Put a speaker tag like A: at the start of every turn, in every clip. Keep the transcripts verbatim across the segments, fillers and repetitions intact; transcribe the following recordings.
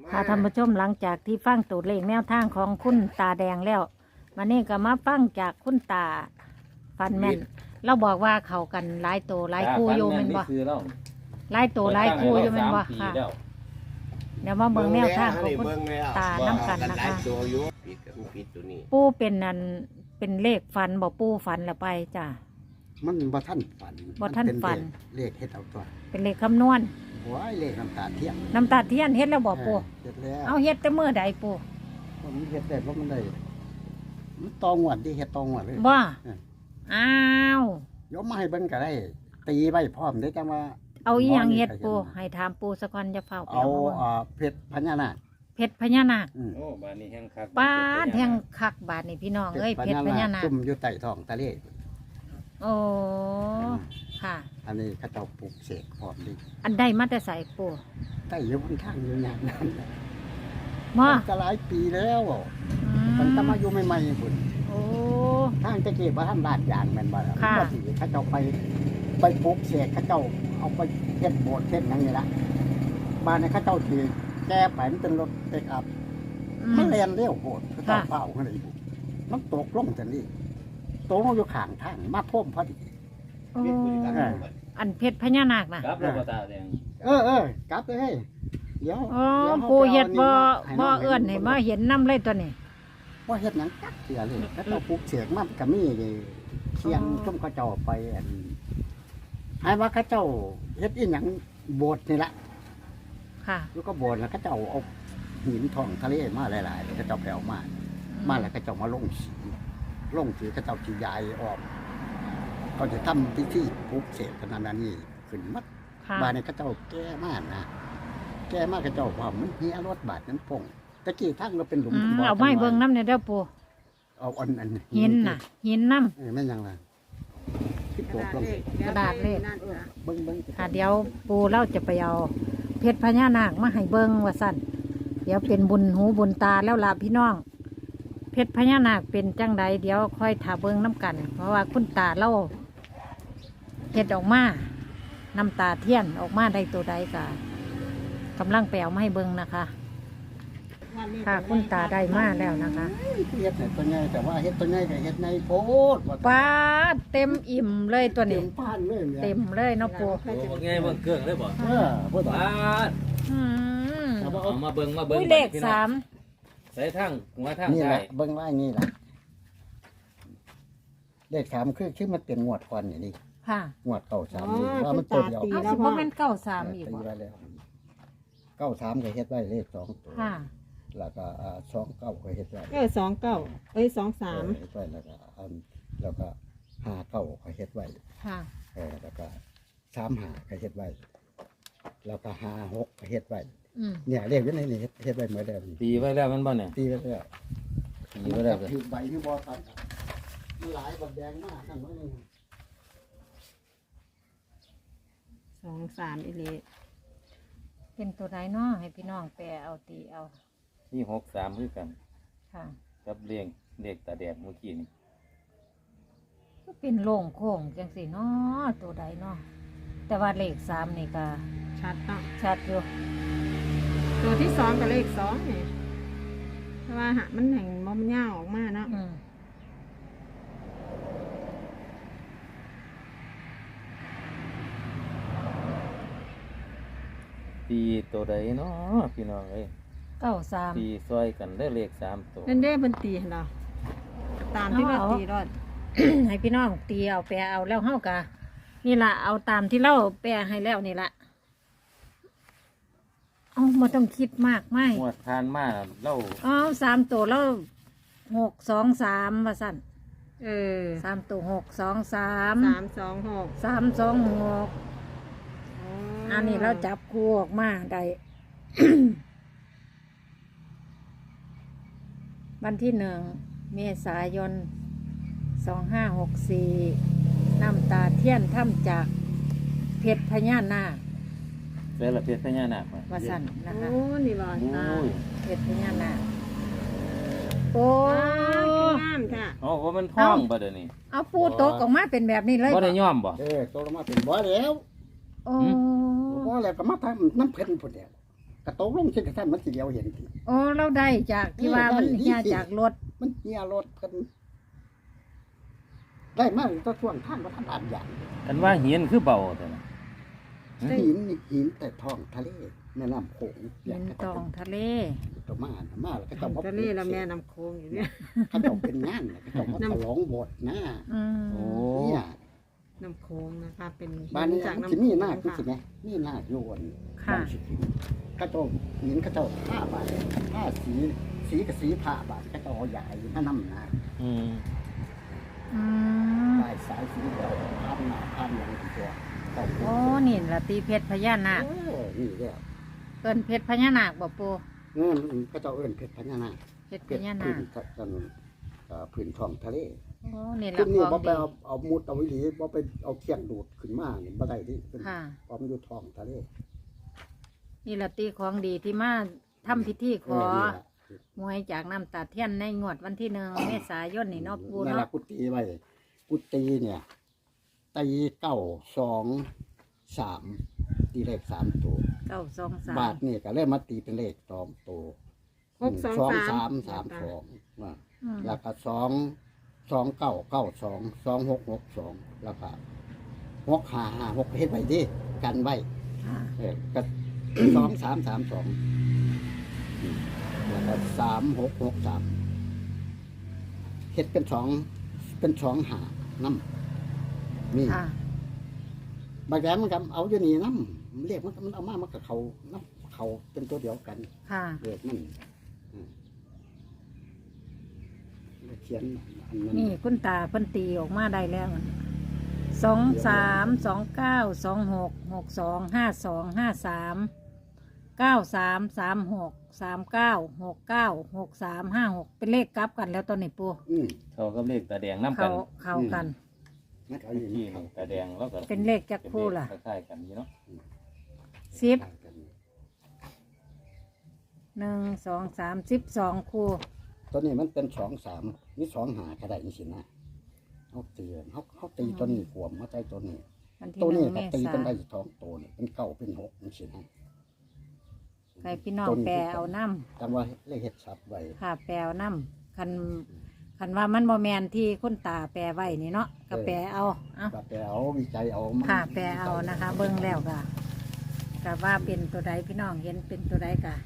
A: ค่ะท่านผู้ชมหลังจากที่ฟังตัวเลขแนวทางของคุณตาแดงแล้ววันนี้ก็มาฟังจากคุณตาฟันแม่นเราบอกว่าเขากันหลายตัวหลายคู่โยแม่นบ่หลายตัวหลายคู่โยแม่นบ่ค่ะเดี๋ยวมาเบิ่งแนวทางของคุณตาน้ำกันนะคะปูเป็นนันเป็นเลขฟันบ่ปูฟันแล้วไปจ้ะ
B: มันบ่ท่านฝัน
A: บ่ท่านฝัน
B: เลขเฮ็ดเอาตัว
A: เป็นเลขคำนวณ
B: โอ้ยเลขน้ำตาเทียน
A: น้ำตาเทียนเฮ็ดแล้วบ่ปู
B: เฮ็ดแล้ว
A: เอาเฮ็ดแต่มื้อใดปู
B: มันเฮ็ดได้เพราะมันได้มันตองหวดที่เฮ็ดตองหวดเลย
A: บ่อ้าวย
B: กมาให้เบิ่งก็ได้ตีไว้พร้อมได้จังว่า
A: เอาอีหยังเฮ็ดปูให้ถามปูสักก่อนจะเฝ้า
B: เอาอ่าเพชรพญานาค
A: เพชรพญานาค
C: โอ้บาดนี้แห้งคัก
A: บ้านแห้งคักบาดนี่พี่น้องเอ้ยเพชรพญานาค
B: จุ่มอยู่ใต้ท้องทะเล
A: โอ้ค่ะ
B: อันนี้เขาเจ้าปลูกเสกพร้อมดิ
A: อันใดมาแต่ใส่ปู
B: ใต้อยู่บนทางอยู่อย่างนั้น
A: มา
B: ก็หลายปีแล้วมันตมาอยู่ใหม่ๆพุ่น
A: โอ้
B: ทางตะเกียบว่าท่านลาดยางแม่นบ่ล่ะก็สิเขาเจ้าไปไปปลูกเสกเขาเจ้าเอาไปเฮ็ดโบสถ์เฮ็ดหยังนี่ล่ะบ้านนี้เขาเจ้าสิแก้ไปมันเป็นรถเปิกอัพมันแล่นเร็วโพดเขาเจ้าเฝ้าคั่นนี่มันตกลงจังนี้ตกลงอยู่ข้างทางมาท่วมพอดี
A: อันเพชรพญานาคน่ะ
C: ครับแล้วก็ตาแดง
B: เออเออกลับเลยเดี๋ยว
A: อ๋อปูเฮ็ดบ่บ่เอื้อนให้มาเห็นนำเลยตัวนี้
B: บ่เฮ็ดหยังจักเสียเลยเขาเจ้าปลูกเสกมันก็มีเคียงซุ่มเขาเจ้าไปอันให้ว่าเขาเจ้าเฮ็ดอีหยังโบสถ์นี่ล่ะ
A: ค่ะ
B: แล้วก็โบสถ์แล้วเขาเจ้าเอาหินทองทะเลมาหลายๆเขาเจ้าแผ่วมามาแล้วเขาเจ้ามาลงสีลงสีเขาเจ้าสิยายออกเขาจะทำพิธีปลูกเสกขนาดนี้ขึ้นมัดบ้านนี้เขาเจ้าแก้มากนะแก้มากเขาเจ้าว่ามันเฮียรถบาดนั้นพงตะกี้ทั้งเราเป็นหลุม
A: เอาไม้เบิ่งน้ำเนี่ยเด้อปู
B: เอาอันอัน
A: หินน่ะหินน้ำ
B: เออไม่ยังล่ะที่ปลูกลง
A: กระดาษเลข
B: เบิ่งเบิ่ง
A: ค่ะเดี๋ยวปูเล่าจะไปเอาเพชรพญานาคมาให้เบิ่งว่าสั่นเดี๋ยวเป็นบุญหูบุญตาแล้วล่ะพี่น้องเพชรพญานาคเป็นจังใดเดี๋ยวค่อยถาเบิ่งน้ำกันเพราะว่าคุณตาเล่าเฮ็ดออกมาน้ำตาเทียนออกมาได้ตัวใดกะกำลังไปเอามาให้เบิ่งนะคะค่ะคุณตาได้มาแล้วนะคะ
B: เฮ็ดตัวใหญ่แต่ว่าเฮ็ดตัวใหญ่กับเฮ็ดในโพด
A: ป้าเต็มอิ่มเลยตัวนี้เต็มเลยเนาะปู
C: โอ้ไงเบิ่งเครื่องเลยบ่
B: เออบ่ต้องป้า
C: เอามาเบิ่งมาเบิ่ง
A: เลขสาม
C: ใส่ทางหัวทาง
B: นี่แหละเบิ่งว่านี่แหละเลขสามคือคือมันเป็นงวดก่อนนี่
A: ค่ะ
B: งวดเก้าสามนี่ว่ามันตัวเดียว
A: เอาสิบ่แม่นเก้าสามอีกบ่
B: เก้าสามก็เฮ็ดไว้เลขสองตัว
A: ค่ะ
B: แล้วก็สองเก้าก็เฮ็ดไว้
D: เออสองเก้าเอ้ยสองสาม
B: เฮ็ดไว้แล้วก็อันแล้วก็ห้าเก้าก็เฮ็ดไว้
A: ค่ะ
B: เออแล้วก็สามห้าก็เฮ็ดไว้แล้วก็ห้าหกก็เฮ็ดไว้เนี่ยเลขอยู่ในนี้เฮ็ดไว้เหมือนเดิม
C: ตีไว้แล้วมันบ่เนี่ย
B: ตีไว้แล้ว
C: ตีไว้แล้ว
B: ถือใบที่บ่ตัดมันหลายบัดแดงมากนั่นว่านี่
D: สองสามอีเล
A: เป็นตัวไหนเนาะให้พี่น้องแปลเอาตีเอา
C: ที่หกสามคือกัน
A: ค่ะ
C: กับเรียงเลขตาแดงเมื่อกี้นี่
A: ก็เป็นโล่งโค้งจังสิเนาะตัวใดเนาะแต่ว่าเลขสามนี่ก็
D: ชัดเนาะ
A: ชัดอยู่
D: ตัวที่สองกับเลขสองเนี่ยเพราะว่าหะมันแห่งมันยาวออกมาเนาะ
C: ตีตัวใดเนาะพี่น้องเอ้ย
A: เก้าสาม
C: ตีซอยกันได้เลขสามตัว
D: นั่นได้เป็นตีเนาะตามที่ว่าตีรอด
A: ให้พี่น้องตีเอาแปลเอาแล้วเฮากะนี่ล่ะเอาตามที่เราแปลให้แล้วนี่ล่ะเอามาต้องคิดมากไม่
C: หมวดทานมากเล่า
A: อ๋อสามตัวแล้วหกสองสามว่าสั่น
D: เออ
A: สามตัวหกสองสาม
D: สามสองหก
A: สามสองหกอันนี้เราจับคู่ออกมาได้ วันที่หนึ่งเมษายนสองห้าหกสี่น้ำตาเทียนถ้ำจากเพชรพญานาค
C: เสร็จแล้วเพชรพญานาค
A: มาสั่นนะคะ
D: โอ้นี่บ่
A: เพชรพญานาคโอ้
D: งามค่ะ
C: โอ้ว่ามันท้องบ่เดี๋ยวนี้
A: เอาปูโตกออกมาเป็นแบบนี้เลย
C: บ่ได้ย่อมบ่
B: เออโตออกมาเป็นบ่แล้ว
A: โอ้
B: บ่แล้วก็มาทำน้ำเพิ่นพุ่นเดียวกระโตกลงเช่นกระทั่งมันสิเดียวเห็นที
A: โอ้เราได้จากที่ว่ามัน
B: ได้
A: เฮีย
B: ได้
A: จากรถ
B: มันเหี่ยรถกันได้มากก็ช่วงทางวัฒนธรรมอย่าง
C: กันว่าเหียนคือเบาแต่ละ
B: หินหินแต่ท้องทะเลแม่น้ำโขง
A: เห็นตองทะเล
B: ตัวมาน่ะมาแล้วก็
D: ทา
B: เจ้าง มา
D: ทะเลแล้วแม่น้ำโขงอยู่เนี่ย
B: เขาเจ้าเป็นงานน่ะเขาเจ้ามาฉลองโบสถ์นะ
A: อืม
C: โอ้
B: เนี่ย
D: น้ำโขงนะคะเป็น
B: บ้านนี้
D: จาก
B: มัน
D: น้ำ
B: สิ
D: โข
B: มี
D: ง
B: นาค
D: ค่ะ
B: ใช่ไหมมีนาคโยน
A: ค่ะ
B: บ้านสิกินเขาเจ้าหินเขาเจ้าผ้าบาทผ้าสีสีกับสีผ้าบาทเขาเจ้าเอาใหญ่มานำนา
C: อืม
A: อืม
B: ได้สายสีเดียวพันหน้าพันอย่างตัวเจ้า
A: โอ้นี่ละตีเพชรพญานาค
B: เออนี่แหละ
A: เอิ้นเพชรพญานาคบ่ปู
B: เออเขาเจ้าเอิ้นเพชรพญานาค
A: เพชรพ
B: เก็บ
A: ญา
B: พื้
A: นาน ค
B: กันเอ่อพื้นท้องทะเล
A: โอ้นี่ละ
B: ขึ้น
A: ข
B: นี่
A: อง
B: บ่ไป
A: ดี
B: เอาเอามุดเอาวิลีบ่ไปเอาเคียงดูดขึ้นมานี่บ่ได้ที่ขึ้น
A: ค่ะ
B: พร้อมอยู่ท้องทะเล
A: นี่ละตีของดีที่มาทำพิธีขอ
B: เนี่ล่ะ
A: หวยจากน้ำตาเทียนในงวดวันที่หนึ่งเมษายนนี่เนาะปู
B: นั่นล่ะ
A: เนาะ
B: กุฏิไว้กุฏิเนี่ยตีเก้าสองสามตีเลขสามตัว
A: เก้าสองสาม
B: บาทนี่ก็เลยมาตีเป็นเลขสองตัว
D: หกสอง
B: สอง
D: สาม
B: สามสามสองว่า
A: อืม
B: แล้วก็สองสองเก้าเก้าสองสองหกหกสองแล้วก็หกห้าห้าหกเฮ็ดไว้ดิกันไว้
A: ค่ะ
B: เออก็ สองสามสามสองอืมแล้วก็สามหกหกสามเฮ็ดเป็นสองเป็นสองหาน้ำนี่
A: ค่ะ
B: บางแกมันก็เอาอยู่นี่น้ำเรียกมันก็มันเอามามันก็เขาน้ำเขาเป็นตัวเดียวกัน
A: ค่ะ
B: เรียกมันอืมแล้วเขียนอันนั้น
A: นี่คุณตาเพิ่นตีออกมาได้แล้วสองสามสองเก้าสองหกหกสองห้าสองห้าสามเก้าสามสามหกสามเก้าหกเก้าหกสามห้าหกเป็นเลขกลับกันแล้วตอนนี้ปู
B: อืม
C: เขากับเลขตาแดงน้ำกั
A: เขา
C: น
A: เข้ากัน
B: มันเอาอยู่
C: ที่
B: นี่
C: นี่ตาแดงแล้วก็
A: เป็นเลขจักคู่ล่ะ
C: คล้ายๆกันอยู่เนาะ
A: สิบหนึ่งสองสามสิบสองคู่
B: ตัวนี้มันเป็นสองสามนี่สองหาก็ได้นี่สินะเขาตีเขาเขาตีตัวนี้ขวมเขาใจตัวนี้
A: วันที่
B: ตัว
A: ห
B: นี้
A: นึ่งเม
B: ก็ตี
A: ษา
B: เป็นได้ท้องตัวนี่เป็นเก้าเป็นหกนี่สินะ
A: ใครพี่น้องแปลเอาน้
B: จังว่าเลขเห็ดสับไว้
A: ำค่ะแปลเอาน้ำคันคันว่ามันบ่แมนที่คุณตาแปลไว้นี่เนาะก็แปลเอาเอา
B: ก็ไปเอาวิจัยเอามา
A: ค่ะแปลเอานะคะ เบิ่งแล้วก็ก็ว่าเป็นตัวใดพี่น้องเห็นเป็นตัวใดกะ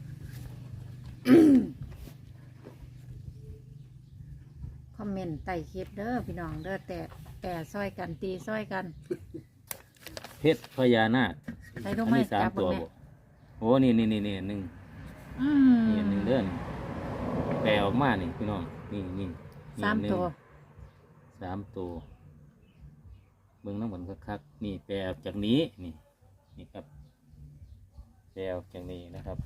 A: คอมเมนต์ใต้คลิปเด้อพี่น้องเด้อแต่แต่ซอยกันตีซอยกัน
C: เพชรพญานาค
A: ใส่ลู
C: อั
A: ก
C: น
A: ไม้
C: นี้สา
A: จั
C: ม
A: บ
C: ตัว
A: แม่
C: บ่โอ้นี่นี่นี่นี่หนึ่ง
A: อืม
C: นี่หนึ่งเดือนแปลออกมานี่พี่น้องนี่นี่นี่
A: สาม
C: หนึ่ง
A: ตัว
C: สามตัวเบิ่งน้ำมันคักๆนี่แปลออกจากนี้นี่นี่ครับแปลออกจากนี้นะครับ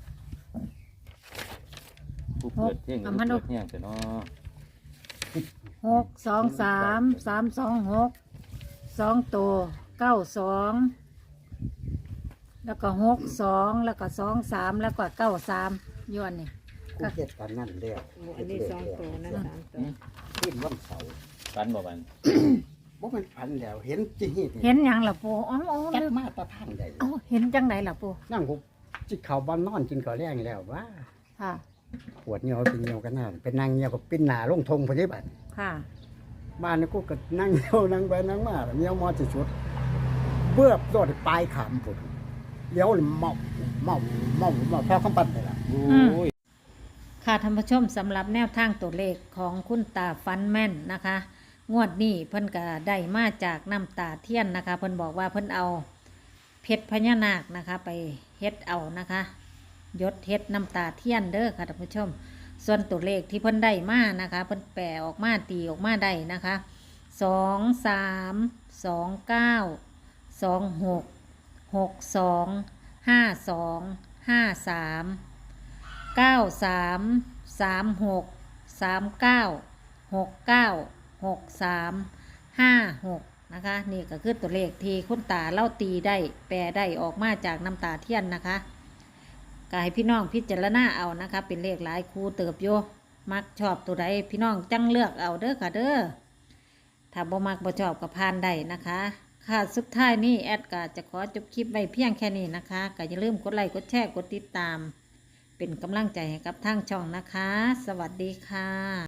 C: ผู้เปิดเพลงผู้เปิดเพลงแต่เนาะ
A: หกสองสามสามสองหกสองตัวเก้าสองแล้วก็หกสองแล้วก็สองสามแล้วก็เก้าสามย้อนนี่
B: กูเห็ดกันนั่นเดียว
D: โอ้อันนี้สองตัวนะสามตัว
B: ขึ้นวันเสาร์
C: ฟันบ่บัน
B: บ่เป็นพันแล้วเห็นจีฮี
A: เห็นหยังล่ะปูอ๋ออ๋อ
B: จัด
A: ลืม
B: มาตะทางใด
A: เอ้าเห็นจังไหนล่ะปู
B: นั่งกูจิเขาบ้านนอนกินก่อแรงแล้วว่า
A: ค่ะ
B: ปวดเงียวเป็นเงียวกันนั่นเป็นนางเงียวกับปิ้นหนาลงทงพอดีบัด
A: ค่ะ
B: บ้านนี่กูก็นั่งเงียวนั่งไปนั่งมาเงียวมอสิชุดเบื้อบโดดปลายขามพุ่นเลี้ยวเลยเมาเมาเมาเมาพอคำปันไปละ
C: โอ้ย
A: ค่ะท่านผู้ชมสำหรับแนวทางตัวเลขของคุณตาฟันแม่นนะคะ งวดนี้เพิ่นก็ได้มาจากน้ำตาเทียนนะคะ เพิ่นบอกว่าเพิ่นเอาเพชรพญานาคนะคะ ไปเฮ็ดเอานะคะยศเฮ็ดน้ำตาเทียนเด้อค่ะท่านผู้ชม ส่วนตัวเลขที่เพิ่นได้มานะคะ เพิ่นแปลออกมาตีออกมาได้นะคะสองสามสองเก้าสองหกหกสองห้าสองห้าสามเก้าสามสามหกสามเก้าหกเก้าหกสามห้าหกนะคะ นี่ก็คือตัวเลขที่คุณตาเล่าตีได้แปลได้ออกมาจากน้ำตาเทียนนะคะก็ให้พี่น้องพิจารณาเอานะคะ เป็นเลขหลายคู่เติบโยมักชอบตัวใดพี่น้องจังเลือกเอาเด้อค่ะเด้อถ้าบ่มักบ่ชอบก็ผ่านได้นะคะค่ะสุดท้ายนี่แอดก็จะขอจบคลิปไว้เพียงแค่นี้นะคะก็อย่าลืมกดไลค์กดแชร์กดติดตาม เป็นกำลังใจให้กับทางช่องนะคะ สวัสดีค่ะ